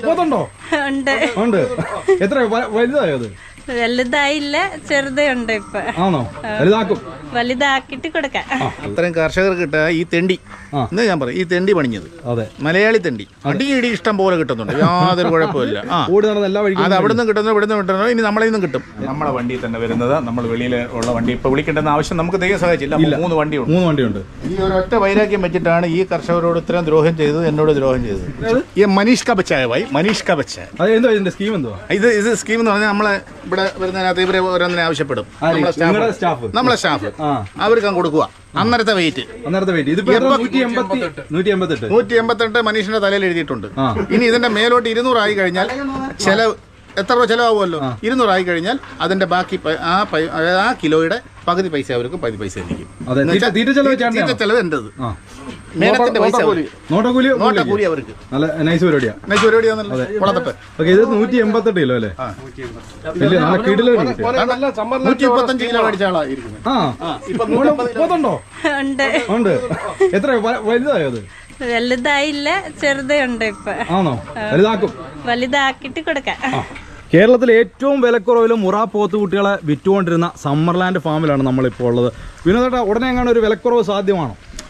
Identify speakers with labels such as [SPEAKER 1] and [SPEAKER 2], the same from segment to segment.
[SPEAKER 1] പോത്തുണ്ടോ? ഉണ്ട്. എത്ര വലുതായോ അത്?
[SPEAKER 2] വലുതായില്ല, ചെറുതേ ഉണ്ട് ഇപ്പൊ.
[SPEAKER 1] ആണോ? വലുതാക്കും.
[SPEAKER 2] വലുതാക്കിട്ട് കൊടുക്കാം.
[SPEAKER 3] അത്രയും കർഷകർക്ക് കിട്ടുക ഈ തെണ്ടി എന്ന് ഞാൻ പറയും. ഈ തെണ്ടി പണിഞ്ഞത് മലയാളി തെണ്ടി അടിയിടി ഇഷ്ടം പോലെ കിട്ടുന്നുണ്ട്, യാതൊരു കുഴപ്പമില്ല. അത് അവിടുന്ന് കിട്ടുന്നു, ഇവിടുന്ന് കിട്ടുന്നു, ഇനി നമ്മളെ നിന്നും കിട്ടും. നമ്മളെ വണ്ടിയിൽ തന്നെ വരുന്നത്. നമ്മൾ വെളിയിൽ ഉള്ള വണ്ടി ഇപ്പൊ വിളിക്കേണ്ടെന്ന ആവശ്യം നമുക്ക് തെയ്യം സഹായിച്ചില്ല. 3 വണ്ടിയുണ്ട്. ഈ ഒരൊറ്റ വൈരാഗ്യം വെച്ചിട്ടാണ് ഈ കർഷകരോട് ഇത്രയും ദ്രോഹം ചെയ്തത്, എന്നോട് ദ്രോഹം ചെയ്തത്. ഈ മനീഷ് കബച്ചായ മനീഷ് കബച്ചായ ഇത് സ്കീം എന്ന് പറഞ്ഞാൽ നമ്മളെ ഇവിടെ വരുന്നതിനകത്ത് ഇവരെ ഓരോന്നിനെ ആവശ്യപ്പെടും. നമ്മളെ സ്റ്റാഫ് അവർക്ക് കൊടുക്കുക. അന്നേരത്തെ വെയിറ്റ് 188 മനുഷ്യന്റെ തലയിൽ എഴുതിയിട്ടുണ്ട്. ഇനി ഇതിന്റെ മേലോട്ട് 200 ആയി കഴിഞ്ഞാൽ ചെലവ് എത്ര രൂപ ചിലവാകുമല്ലോ? 200 ആയി കഴിഞ്ഞാൽ അതിന്റെ ബാക്കി ആ കിലോയുടെ പകുതി പൈസ അവർക്ക്, പകുതി പൈസ എനിക്കും. ചെലവ് എന്റേത്. മേലത്തിന്റെ പൈസ നോട്ടക്കൂലി അവർക്ക്.
[SPEAKER 1] നൈസ് പരിപാടിയാണല്ലോ. 188 കിലോ അല്ലേ?
[SPEAKER 3] 135 കിലോ മേടിച്ച ആളായിരിക്കും.
[SPEAKER 1] ഉണ്ട്. എത്ര വലുതായോ അത്?
[SPEAKER 2] വലുതായില്ല, ചെറുതേ ഉണ്ട് ഇപ്പൊ.
[SPEAKER 1] ആണോ? വലുതാക്കും.
[SPEAKER 2] വലുതാക്കിട്ട് കൊടുക്കാം.
[SPEAKER 1] കേരളത്തിലെ ഏറ്റവും വിലക്കുറവിൽ മുറ പോത്തുകുട്ടികളെ വിറ്റുകൊണ്ടിരുന്ന സമ്മർലാൻഡ് ഫാമിലാണ് നമ്മളിപ്പോൾ ഉള്ളത്. വിനോദേട്ടാ, ഉടനെ എങ്ങനെ ഒരു വിലക്കുറവ് സാധ്യമാണോ?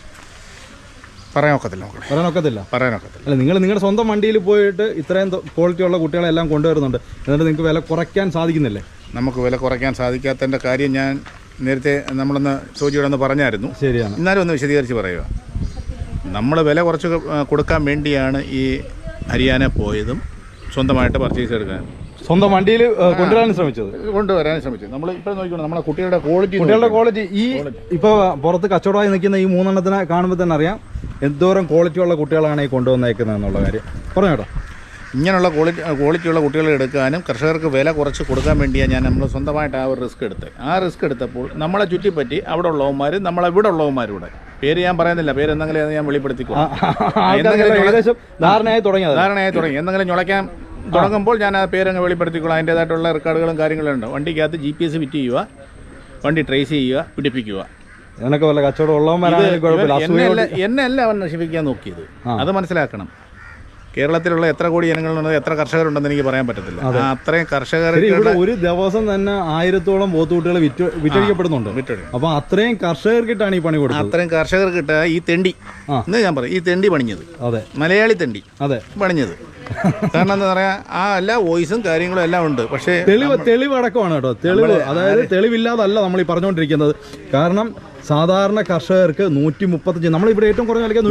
[SPEAKER 1] പറയാനൊക്കത്തില്ല. അല്ല, നിങ്ങൾ നിങ്ങളുടെ സ്വന്തം വണ്ടിയിൽ പോയിട്ട് ഇത്രയും ക്വാളിറ്റി ഉള്ള കുട്ടികളെല്ലാം കൊണ്ടുവരുന്നുണ്ട്, എന്നിട്ട് നിങ്ങൾക്ക് വില കുറയ്ക്കാൻ സാധിക്കുന്നില്ലേ?
[SPEAKER 3] നമുക്ക് വില കുറയ്ക്കാൻ സാധിക്കാത്തതിൻ്റെ കാര്യം ഞാൻ നേരത്തെ നമ്മളൊന്ന് ചോദിച്ചോടൊന്ന് പറഞ്ഞായിരുന്നു.
[SPEAKER 1] ശരിയാണ്.
[SPEAKER 3] എന്നാലും ഒന്ന് വിശദീകരിച്ച് പറയുക. നമ്മൾ വില കുറച്ച് കൊടുക്കാൻ വേണ്ടിയാണ് ഈ ഹരിയാന പോയതും സ്വന്തമായിട്ട് പർച്ചേസ് എടുക്കാൻ,
[SPEAKER 1] സ്വന്തം വണ്ടിയിൽ കൊണ്ടുവരാൻ ശ്രമിച്ചത്.
[SPEAKER 3] നമ്മൾ ഇപ്പോൾ നോക്കിക്കണം നമ്മളെ കുട്ടികളുടെ ക്വാളിറ്റി.
[SPEAKER 1] ഈ ഇപ്പോൾ പുറത്ത് കച്ചവടമായി നിൽക്കുന്ന ഈ 3 എണ്ണത്തിനെ കാണുമ്പോൾ തന്നെ അറിയാം എന്തോരം ക്വാളിറ്റി ഉള്ള കുട്ടികളാണ് ഈ കൊണ്ടുവന്നേക്കുന്നത് എന്നുള്ള കാര്യം. പറഞ്ഞോട്ടോ.
[SPEAKER 3] ഇങ്ങനെയുള്ള ക്വാളിറ്റിയുള്ള കുട്ടികളെ എടുക്കാനും കർഷകർക്ക് വില കുറച്ച് കൊടുക്കാൻ വേണ്ടിയാണ് നമ്മൾ സ്വന്തമായിട്ട് ആ ഒരു റിസ്ക് എടുത്തത്. ആ റിസ്ക് എടുത്തപ്പോൾ നമ്മളെ ചുറ്റിപ്പറ്റി അവിടെ ഉള്ളവന്മാരും നമ്മളെവിടെ ഉള്ളവന്മാരും പേര് ഞാൻ പറയുന്നില്ല, പേര് എന്തെങ്കിലും ഞാൻ വെളിപ്പെടുത്തിക്കോ. ധാരണയായി തുടങ്ങി എന്തെങ്കിലും ഞൊളയ്ക്കാൻ തുടങ്ങുമ്പോൾ ഞാൻ ആ പേരങ്ങ് വെളിപ്പെടുത്തിക്കോളാം. അതിൻ്റേതായിട്ടുള്ള റെക്കോർഡുകളും കാര്യങ്ങളും ഉണ്ട്. വണ്ടിക്കകത്ത് GPS ഫിറ്റ് ചെയ്യുക, വണ്ടി ട്രേസ് ചെയ്യുക, പിടിപ്പിക്കുക.
[SPEAKER 1] എന്നൊക്കെ വല്ല കച്ചവടം
[SPEAKER 3] എന്നെ അല്ല അവൻ നശിപ്പിക്കാൻ നോക്കിയത്, അത് മനസ്സിലാക്കണം. കേരളത്തിലുള്ള എത്ര കോടി ജനങ്ങളുണ്ടെന്ന്, എത്ര കർഷകരുണ്ടെന്ന് എനിക്ക് പറയാൻ പറ്റത്തില്ല. അത്രയും കർഷകർ
[SPEAKER 1] ഒരു ദിവസം തന്നെ 1000-ഓളം പോത്തുകുട്ടികൾ വിറ്റഴിക്കപ്പെടുന്നുണ്ട്. അപ്പൊ അത്രയും കർഷകർക്കിട്ടാണ് ഈ പണി കൊടുക്കുന്നത്.
[SPEAKER 3] അത്രയും കർഷകർക്കിട്ട് ഈ തെണ്ടി എന്ന് ഞാൻ പറയും. ഈ തെണ്ടി പണിഞ്ഞത് മലയാളി തെണ്ടി പണിഞ്ഞത്. കാരണം എന്താ പറയാ, ആ എല്ലാ വോയിസും കാര്യങ്ങളും എല്ലാം ഉണ്ട്. പക്ഷേ
[SPEAKER 1] തെളിവ് അടക്കമാണ് കേട്ടോ. അതായത് തെളിവില്ലാതല്ല നമ്മൾ ഈ പറഞ്ഞുകൊണ്ടിരിക്കുന്നത്. കാരണം സാധാരണ കർഷകർക്ക് 135, നമ്മളിവിടെ ഏറ്റവും കുറഞ്ഞ വിലയ്ക്ക്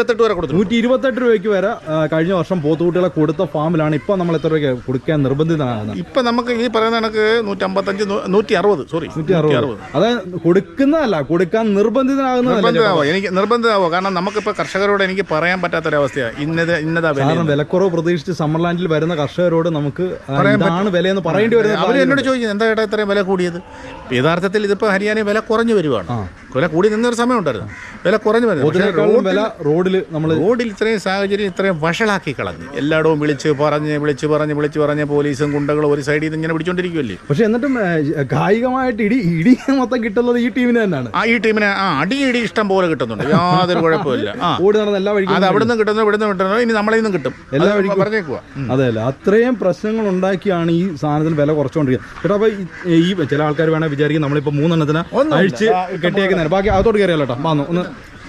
[SPEAKER 1] 128 രൂപയ്ക്ക് വരെ കഴിഞ്ഞ വർഷം പോത്തുകുട്ടികളെ കൊടുത്ത ഫാമിലാണ്. ഇപ്പൊ നമ്മൾ എത്ര രൂപയ്ക്ക് കൊടുക്കാൻ നിർബന്ധിതനാകുന്നത്?
[SPEAKER 3] ഇപ്പൊ നമുക്ക് ഈ പറയുന്ന കണക്ക് 155, 160.
[SPEAKER 1] അതായത് കൊടുക്കുന്നതല്ല, കൊടുക്കാൻ നിർബന്ധിതനാകുന്നതല്ല.
[SPEAKER 3] എനിക്ക് നിർബന്ധിതമാവോ? കാരണം നമുക്കിപ്പോ കർഷകരോട് എനിക്ക് പറയാൻ പറ്റാത്തൊരവസ്ഥയാണ്. ഇന്നതാ
[SPEAKER 1] വിലക്കുറവ് പ്രതീക്ഷിച്ച് സമ്മർലാൻഡിൽ വരുന്ന കർഷകരോട് നമുക്ക് ഇതാണ് വിലയെന്ന് പറയേണ്ടി വരുന്നത്.
[SPEAKER 3] അവർ എന്നോട് ചോദിക്കുന്നത് എന്താ ചേട്ടാ ഇത്രയും വില കൂടിയത്? യഥാർത്ഥത്തിൽ ഇതിപ്പോ ഹരിയാനയിൽ വില കുറഞ്ഞു വരുവാണ്. വില കൂടി നിന്നൊരു സമയം ഉണ്ടായിരുന്നു, വില കുറഞ്ഞു വരുന്നത്. റോഡിൽ ഇത്രയും സാഹചര്യം ഇത്രയും വഷളാക്കി കളഞ്ഞു. എല്ലായിടവും വിളിച്ച് പറഞ്ഞ് പോലീസും ഗുണ്ടകളും ഒരു സൈഡിൽ നിന്ന് ഇങ്ങനെ പിടിച്ചോണ്ടിരിക്കുമല്ലേ.
[SPEAKER 1] പക്ഷെ എന്നിട്ടും കായികമായിട്ട് ഇടി മൊത്തം കിട്ടുന്നത് ഈ ടീമിന് തന്നെയാണ്.
[SPEAKER 3] ഈ ടീമിന് അടിയിടി ഇഷ്ടം പോലെ കിട്ടുന്നുണ്ട്, യാതൊരു കുഴപ്പമില്ല. അത് അവിടുന്ന് കിട്ടുന്നു, ഇവിടുന്ന് കിട്ടുന്നു, ഇനി നമ്മളെ നിന്നും കിട്ടും. പറഞ്ഞേക്കുക.
[SPEAKER 1] അതെയല്ല, അത്രയും പ്രശ്നങ്ങൾ ഉണ്ടാക്കിയാണ് ഈ സാധനത്തിന് വില കുറച്ചുകൊണ്ടിരിക്കുന്നത്. ചേട്ടാ, അപ്പൊ ഈ ചില ആൾക്കാർ വേണേൽ വിചാരിക്കും നമ്മളിപ്പോ 3 എണ്ണത്തിന് അഴിച്ച് കെട്ടിയേക്കുന്ന. ബാക്കി അകത്തോട്ട് കയറിയല്ലോ കേട്ടോ. വന്നു ഒന്ന്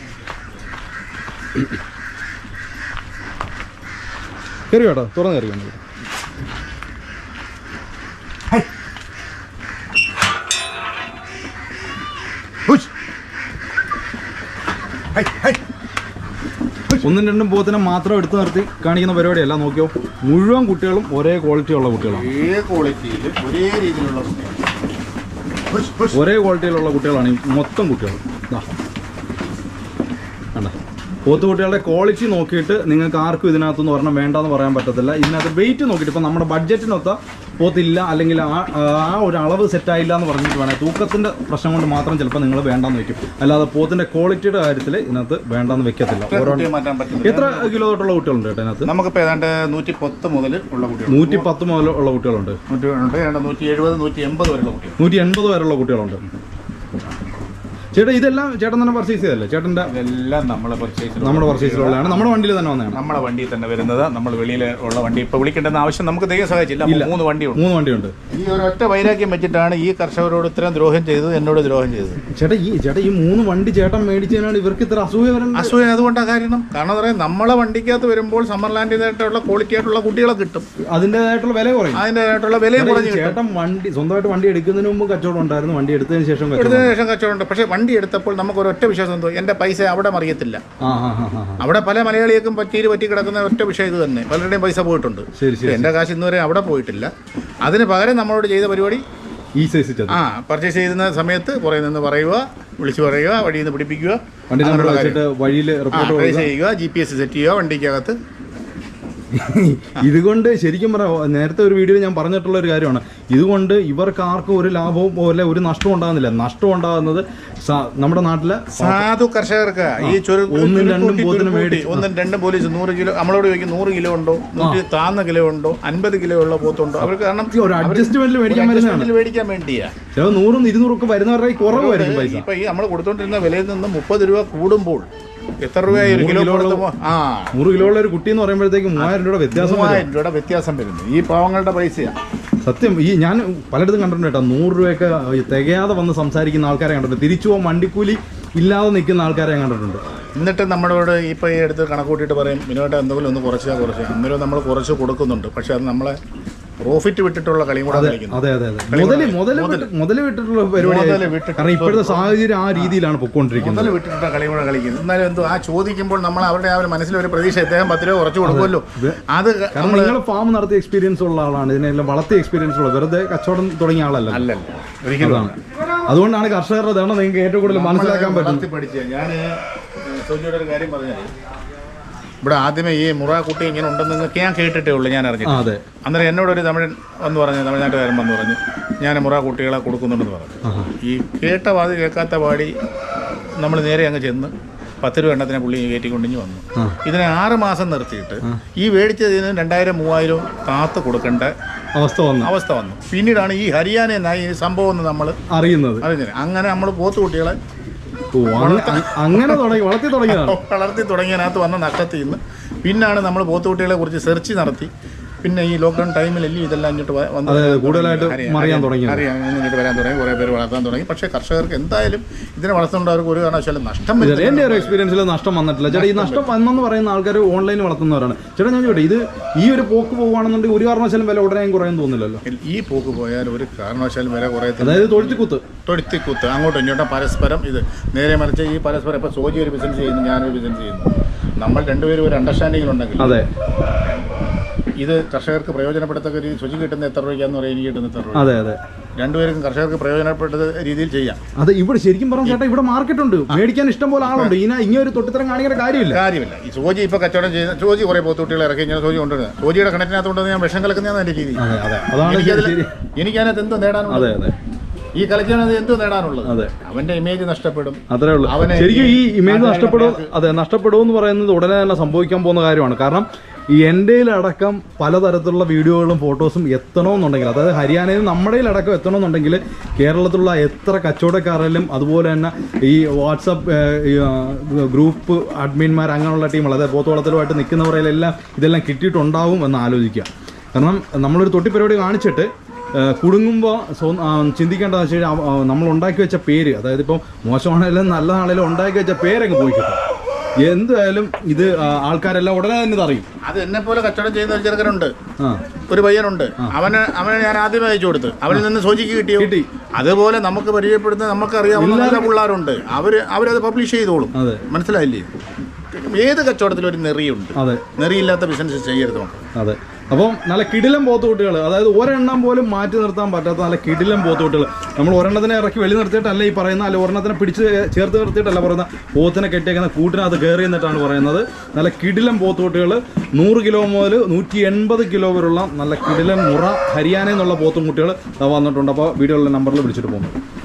[SPEAKER 1] കയറി കേട്ടോ, തുറന്ന് കയറി. ഒന്നും രണ്ടും പോത്തിനെ മാത്രം എടുത്തു നിർത്തി കാണിക്കുന്ന പരിപാടിയല്ല. നോക്കിയോ, മുഴുവൻ കുട്ടികളും ഒരേ ക്വാളിറ്റി ഉള്ള കുട്ടികളാണ്. ഒരേ ക്വാളിറ്റിയിലുള്ള കുട്ടികളാണ് ഈ മൊത്തം കുട്ടികൾ. കണ്ട, പോത്തുകുട്ടികളുടെ ക്വാളിറ്റി നോക്കിയിട്ട് നിങ്ങൾക്ക് ആർക്കും ഇതിനകത്തൊന്നും ഒരെണ്ണം വേണ്ടെന്ന് പറയാൻ പറ്റത്തില്ല. ഇതിനകത്ത് വെയിറ്റ് നോക്കിയിട്ട് ഇപ്പം നമ്മുടെ ബഡ്ജറ്റിനൊത്ത പോത്തില്ല, അല്ലെങ്കിൽ ആ ഒരു അളവ് സെറ്റായില്ല എന്ന് പറഞ്ഞിട്ട് വേണേൽ തൂക്കത്തിൻ്റെ പ്രശ്നം കൊണ്ട് മാത്രം ചിലപ്പോൾ നിങ്ങൾ വേണ്ടെന്ന് വെക്കും. അല്ലാതെ പോത്തിൻ്റെ ക്വാളിറ്റിയുടെ കാര്യത്തിൽ ഇതിനകത്ത് വേണ്ടെന്ന് വെക്കത്തില്ല. എത്ര കിലോ തൊട്ടുള്ള കുട്ടികളുണ്ട് കേട്ടോ ഇതിനകത്ത്?
[SPEAKER 3] നമുക്കിപ്പോൾ ഏതാണ്ട് 110 മുതൽ ഉള്ള കുട്ടികൾ,
[SPEAKER 1] 110 മുതൽ ഉള്ള കുട്ടികളുണ്ട്.
[SPEAKER 3] 170, 180 വരെയുള്ള കുട്ടികൾ,
[SPEAKER 1] 180 വരെയുള്ള കുട്ടികളുണ്ട്. ചേട്ടാ ഇതെല്ലാം ചേട്ടൻ തന്നെ പർച്ചേസ് ചെയ്തല്ലേ? ചേട്ടൻ്റെ
[SPEAKER 3] ഇതെല്ലാം നമ്മുടെ
[SPEAKER 1] പർച്ചേസിലുള്ളതാണ്, നമ്മുടെ വണ്ടിയിൽ തന്നെ വന്നതാണ്.
[SPEAKER 3] നമ്മുടെ വണ്ടിയിൽ തന്നെ വരുന്നത്. നമ്മൾ വെളിയിൽ ഉള്ള വണ്ടി ഇപ്പോൾ വിളിക്കേണ്ടെന്ന ആവശ്യം നമുക്ക് ദൈവം സഹായിച്ചില്ല. 3 വണ്ടിയുണ്ട്. ഈ ഒരൊറ്റ വൈരാഗ്യം വെച്ചിട്ടാണ് ഈ കർഷകരോട് ഇത്രയും ദ്രോഹം ചെയ്തത്, എന്നോട് ദ്രോഹം ചെയ്തത്.
[SPEAKER 1] ചേട്ടാ ഈ 3 വണ്ടി ചേട്ടൻ മേടിച്ചതിനാണ് ഇവർക്ക് ഇത്ര അസൂയ വരുന്നത്.
[SPEAKER 3] അസൂയ അതുകൊണ്ടാണ് കാരണം പറയാം, നമ്മളെ വണ്ടിക്കകത്ത് വരുമ്പോൾ സമ്മർലാൻഡിനായിട്ടുള്ള ക്വാളിറ്റി ആയിട്ടുള്ള കുട്ടികളെ കിട്ടും,
[SPEAKER 1] അതിൻ്റെതായിട്ടുള്ള വില കുറയും.
[SPEAKER 3] അതിൻ്റെതായിട്ടുള്ള വില കുറഞ്ഞു.
[SPEAKER 1] ചേട്ടൻ സ്വന്തമായിട്ട് വണ്ടി എടുക്കുന്നതിന് മുമ്പ് കച്ചവടം ഉണ്ടായിരുന്നു, വണ്ടി എടുത്തതിന് ശേഷം
[SPEAKER 3] കച്ചവടമുണ്ട്. പക്ഷേ വണ്ടി എടുത്തപ്പോൾ നമുക്ക് ഒരൊറ്റ വിശ്വാസം എന്തോ, എൻ്റെ പൈസ അവിടെ മറിയത്തില്ല. അവിടെ പല മലയാളികൾക്കും പറ്റി കിടക്കുന്ന ഒറ്റ വിഷയം ഇത് തന്നെ. പലരുടെയും പൈസ പോയിട്ടുണ്ട്. എൻ്റെ കാശ് ഇന്നുവരെ അവിടെ പോയിട്ടില്ല. അതിന് പകരം നമ്മളോട് ചെയ്ത പരിപാടി പർച്ചേസ് ചെയ്യുന്ന സമയത്ത് പുറകെ നിന്ന് പറയുക, വിളിച്ചു പറയുക, വഴിയിൽ നിന്ന് പിടിപ്പിക്കുക,
[SPEAKER 1] വഴിയിൽ
[SPEAKER 3] ചെയ്യുക, GPS സെറ്റ് ചെയ്യുക വണ്ടിക്കകത്ത്.
[SPEAKER 1] ഇതുകൊണ്ട് ശരിക്കും പറയാം, നേരത്തെ ഒരു വീഡിയോയിൽ ഞാൻ പറഞ്ഞിട്ടുള്ള ഒരു കാര്യമാണ്, ഇതുകൊണ്ട് ഇവർക്ക് ആർക്കും ഒരു ലാഭവും പോലെ ഒരു നഷ്ടവും ഉണ്ടാകുന്നില്ല. നഷ്ടം ഉണ്ടാകുന്നത് നമ്മുടെ നാട്ടിലെ
[SPEAKER 3] സാധു കർഷകർക്ക്. ഈ 1-2 പോലീസ് 100 കിലോ നമ്മളോട് ചോദിക്കും, 100 കിലോ ഉണ്ടോ, 100 താന്ന കിലോ ഉണ്ടോ, 50 കിലോ ഉള്ള പോത്തുണ്ടോ. അവർക്ക് കാരണം
[SPEAKER 1] ഒരു അഡ്ജസ്റ്റ്മെന്റിൽ
[SPEAKER 3] മേടിക്കാൻ വേണ്ടിയാ.
[SPEAKER 1] 100-200 ഒക്കെ വരുന്നവരുടെ കുറവായിരിക്കും പൈസ.
[SPEAKER 3] ഇപ്പൊ ഈ നമ്മൾ കൊടുത്തോണ്ടിരുന്ന വിലയിൽ നിന്ന് 30 രൂപ കൂടുമ്പോൾ എത്ര രൂപയായി ഒരു കിലോ?
[SPEAKER 1] 100 കിലോ ഉള്ള ഒരു കുട്ടി എന്ന് പറയുമ്പോഴത്തേക്ക് 3000 രൂപ
[SPEAKER 3] വ്യത്യാസം വരുന്നു. ഈ പാവങ്ങളുടെ പൈസയാണ്
[SPEAKER 1] സത്യം. ഈ ഞാൻ പലയിടത്തും കണ്ടിട്ടുണ്ട് കേട്ടോ, 100 രൂപയൊക്കെ തികയാതെ വന്ന് സംസാരിക്കുന്ന ആൾക്കാരെ കണ്ടിട്ടുണ്ട്. തിരിച്ചു പോകാൻ വണ്ടിക്കൂലി ഇല്ലാതെ നിൽക്കുന്ന ആൾക്കാരെ ഞാൻ കണ്ടിട്ടുണ്ട്.
[SPEAKER 3] എന്നിട്ട് നമ്മളോട് ഇപ്പോൾ ഈ അടുത്ത് കണക്കൂട്ടിയിട്ട് പറയും, മിനിമം എന്തെങ്കിലും ഒന്ന് കുറച്ച് അന്നേരം നമ്മൾ കുറച്ച് കൊടുക്കുന്നുണ്ട്. പക്ഷെ അത് നമ്മളെ പ്രോഫിറ്റ് വിട്ടിട്ടുള്ള കളിയും കൂടെ കളിക്കുന്നു.
[SPEAKER 1] മുതല് വിട്ടിട്ടുള്ള പരിപാടി. കാരണം ഇപ്പോഴത്തെ സാഹചര്യം ആ രീതിയിലാണ് പൊക്കോണ്ടിരിക്കുന്നത്.
[SPEAKER 3] മുതൽ വിട്ടിട്ടുള്ള കളിയും കൂടെ കളിക്കുന്നു. എന്നാലും എന്തോ ആ ചോദിക്കുമ്പോൾ നമ്മൾ അവരുടെ ആ ഒരു മനസ്സിലൊരു പ്രതീക്ഷ, അദ്ദേഹം 10 രൂപ കുറച്ച് കൊടുക്കുമല്ലോ. അത്
[SPEAKER 1] കാരണം നിങ്ങൾ ഫാം നടത്തിയ എക്സ്പീരിയൻസ് ഉള്ള ആളാണ്, ഇതിനെല്ലാം വളർത്തിയ എക്സ്പീരിയൻസ് ഉള്ള, വെറുതെ കച്ചവടം തുടങ്ങിയ ആളല്ല.
[SPEAKER 3] ഒരിക്കലും.
[SPEAKER 1] അതുകൊണ്ടാണ് കർഷകരുടെ ഇതാണ് നിങ്ങൾക്ക് ഏറ്റവും കൂടുതൽ മനസ്സിലാക്കാൻ പറ്റും.
[SPEAKER 3] ഞാൻ സോജിയുടെ ഒരു കാര്യം പറഞ്ഞാൽ, ഇവിടെ ആദ്യമേ ഈ മുറ കുട്ടി ഇങ്ങനെ ഉണ്ടെന്ന് ഞാൻ കേട്ടിട്ടേ ഉള്ളൂ, ഞാൻ അറിഞ്ഞിട്ട്. അന്നേരം എന്നോടൊരു തമിഴ്നാട്ടുകാരൻ വന്ന് പറഞ്ഞു, ഞാൻ മുറ കുട്ടികളെ കൊടുക്കുന്നുണ്ടെന്ന് പറഞ്ഞു. ഈ കേട്ട വാതി കേൾക്കാത്ത പാടി നമ്മൾ നേരെ അങ്ങ് ചെന്ന് 10 രൂപ എണ്ണത്തിനെ പുള്ളി കയറ്റിക്കൊണ്ടിഞ്ഞ് വന്നു. ഇതിനെ 6 മാസം നിർത്തിയിട്ട് ഈ മേടിച്ചതിന് 2000-3000 കാത്ത് കൊടുക്കേണ്ട അവസ്ഥ വന്നു. പിന്നീടാണ് ഈ ഹരിയാന ഈ സംഭവം എന്ന് നമ്മൾ അറിയുന്നത്. അങ്ങനെ നമ്മൾ പോത്തുകുട്ടികളെ വളർത്തി തുടങ്ങിയതിനകത്ത് വന്ന നഷ്ടത്തിൽ നിന്ന് പിന്നാണ് നമ്മൾ പോത്തുകുട്ടികളെ കുറിച്ച് സെർച്ച് നടത്തി. പിന്നെ ഈ ലോക്ക്ഡൗൺ ടൈമിലല്ലേ ഇതെല്ലാം ഇങ്ങോട്ട്
[SPEAKER 1] കൂടുതലായിട്ട്
[SPEAKER 3] അറിയാൻ ഇങ്ങോട്ട് വരാൻ തുടങ്ങി, കുറേ പേര് വളർത്താൻ തുടങ്ങി. പക്ഷേ കർഷകർക്ക് എന്തായാലും ഇതിനെ വളർത്തുന്നവർക്ക് ഒരു കാരണവശാലും നഷ്ടം വരും.
[SPEAKER 1] എൻ്റെ ഒരു എക്സ്പീരിയൻസിൽ നഷ്ടം വന്നിട്ടില്ല ചേട്ടാ. ഈ നഷ്ടം വന്നെന്ന് പറയുന്ന ആൾക്കാർ ഓൺലൈനിൽ വളർത്തുന്നവരാണ് ചേട്ടാ. ഞാൻ ചോദിക്കട്ടെ, ഇത് ഈ ഒരു പോക്ക് പോകുകയാണെന്നുണ്ടെങ്കിൽ ഒരു കാരണവശാലും വില ഉടനെ കുറയാൻ തോന്നില്ലല്ലോ?
[SPEAKER 3] ഈ പോക്ക് പോയാൽ ഒരു കാരണവശാലും വില കുറയത്തില്ല.
[SPEAKER 1] അതായത് തൊഴുത്തിക്കുത്ത് അങ്ങോട്ടും
[SPEAKER 3] ഇങ്ങോട്ടും പരസ്പരം ഇത് നേരെ മറിച്ച് ഈ പരസ്പരം ഇപ്പോൾ സോജി ഒരു ബിസിനസ് ചെയ്യുന്നു, ഞാനൊരു ബിസിനസ് ചെയ്യുന്നു. നമ്മൾ രണ്ടുപേരും ഒരു അണ്ടർസ്റ്റാൻഡിങ്ങിലുണ്ടെങ്കിൽ
[SPEAKER 1] അതെ
[SPEAKER 3] ഇത് കർഷകർക്ക് പ്രയോജനപ്പെടുത്തക്ക രീതി ശുചി കിട്ടുന്ന എത്ര രൂപയ്ക്കാന്ന് പറയാൻ എനിക്ക് കിട്ടുന്ന എത്ര രൂപ.
[SPEAKER 1] അതെ അതെ,
[SPEAKER 3] രണ്ടുപേർക്കും കർഷകർക്ക് പ്രയോജനപ്പെട്ട രീതിയിൽ ചെയ്യാം.
[SPEAKER 1] അതെ, ഇവിടെ ശരിക്കും പറഞ്ഞ ചേട്ടാ ഇവിടെ മാർക്കറ്റ് ഉണ്ട്, മേടിക്കാൻ ഇഷ്ടം പോലെ ആളുണ്ട്. ഇങ്ങനെ ഒരു തൊട്ടിത്തരം കാണിക്കേണ്ട കാര്യമില്ല.
[SPEAKER 3] ഈ സോജി ഇപ്പോൾ കച്ചവടം ചെയ്യുന്ന സോജി കുറേ പോത്തുകുട്ടികളെ ഇറക്കി ഇങ്ങനെ സോജി കൊണ്ടുവരുന്നത്, സോജിയുടെ കിണറ്റിനകത്തുകൊണ്ട് ഞാൻ വിഷം കലക്കുന്നതാണ് എൻ്റെ രീതി. എനിക്കതിനകത്ത് എന്തോ നേടാനുള്ളത്, ഈ കളിക്കാനത് എന്തോ നേടാനുള്ളത്. അവന്റെ ഇമേജ് നഷ്ടപ്പെടും,
[SPEAKER 1] അത്രേ ഉള്ളൂ. ശരിക്കും ഈ ഇമേജ് നഷ്ടപ്പെടും എന്ന് പറയുന്നത് ഉടനെ തന്നെ സംഭവിക്കാൻ പോകുന്ന കാര്യമാണ്. കാരണം ഈ എൻ്റെയിലടക്കം പലതരത്തിലുള്ള വീഡിയോകളും ഫോട്ടോസും എത്തണമെന്നുണ്ടെങ്കിൽ, അതായത് ഹരിയാനയിൽ നമ്മുടെയിലടക്കം എത്തണമെന്നുണ്ടെങ്കിൽ കേരളത്തിലുള്ള എത്ര കച്ചവടക്കാരിലും അതുപോലെ തന്നെ ഈ വാട്സപ്പ് ഗ്രൂപ്പ് അഡ്മിന്മാർ അങ്ങനെയുള്ള ടീമുകൾ, അതായത് പോത്തുവളത്തിലുമായിട്ട് നിൽക്കുന്നവരെല്ലാം ഇതെല്ലാം കിട്ടിയിട്ടുണ്ടാവും എന്ന് ആലോചിക്കുക. കാരണം നമ്മളൊരു തൊട്ടി പരിപാടി കാണിച്ചിട്ട് കുടുങ്ങുമ്പോൾ ചിന്തിക്കേണ്ടതെന്ന് വെച്ച് കഴിഞ്ഞാൽ നമ്മൾ ഉണ്ടാക്കി വെച്ച പേര്, അതായത് ഇപ്പോൾ മോശമാണെങ്കിലും നല്ലതാണെങ്കിലും ഉണ്ടാക്കി വെച്ച പേരങ്ങ് പോയി കിട്ടും. എന്തായാലും ഇത് ആൾക്കാരെല്ലാം ഉടനെ തന്നെ അറിയും.
[SPEAKER 3] അത് എന്നെ പോലെ കച്ചവടം ചെയ്യുന്ന ഒരു ചെറുക്കനുണ്ട്, ഒരു പയ്യനുണ്ട്. അവനെ ഞാൻ ആദ്യമേ അയച്ചു കൊടുത്ത്, അവനിൽ നിന്ന് സോജിക്ക് കിട്ടി. അതുപോലെ നമുക്ക് പരിചയപ്പെടുന്ന നമുക്കറിയാവുന്ന നല്ല പിള്ളേരുണ്ട്, അവരത് പബ്ലിഷ് ചെയ്തോളും. മനസ്സിലായില്ലേ? ഏത് കച്ചവടത്തിലും ഒരു നെറിയുണ്ട്, നെറിയില്ലാത്ത ബിസിനസ് ചെയ്യരുത്.
[SPEAKER 1] അതെ, അപ്പം നല്ല കിടിലം പോത്തുകുട്ടികൾ, അതായത് ഒരെണ്ണം പോലും മാറ്റി നിർത്താൻ പറ്റാത്ത നല്ല കിടിലം പോത്തുകുട്ടികൾ. നമ്മൾ ഒരെണ്ണത്തിനെ ഇറക്കി വെളി നിർത്തിയിട്ടല്ല ഈ പറയുന്ന, അല്ല ഒരെണ്ണത്തിനെ പിടിച്ച് ചേർത്ത് നിർത്തിയിട്ടല്ല പറയുന്ന, പോത്തിനെ കെട്ടിയേക്കുന്ന കൂട്ടിനകത്ത് കയറി എന്നിട്ടാണ് പറയുന്നത്. നല്ല കിടിലം പോത്തുകുട്ടികൾ 100 കിലോ മുതൽ 180 കിലോ വരെയുള്ള നല്ല കിടിലം മുറ ഹരിയാനയിൽ നിന്നുള്ള പോത്തും കുട്ടികൾ വന്നിട്ടുണ്ട്. അപ്പോൾ വീഡിയോയിലുള്ള നമ്പറിൽ വിളിച്ചിട്ട് പോകുന്നു.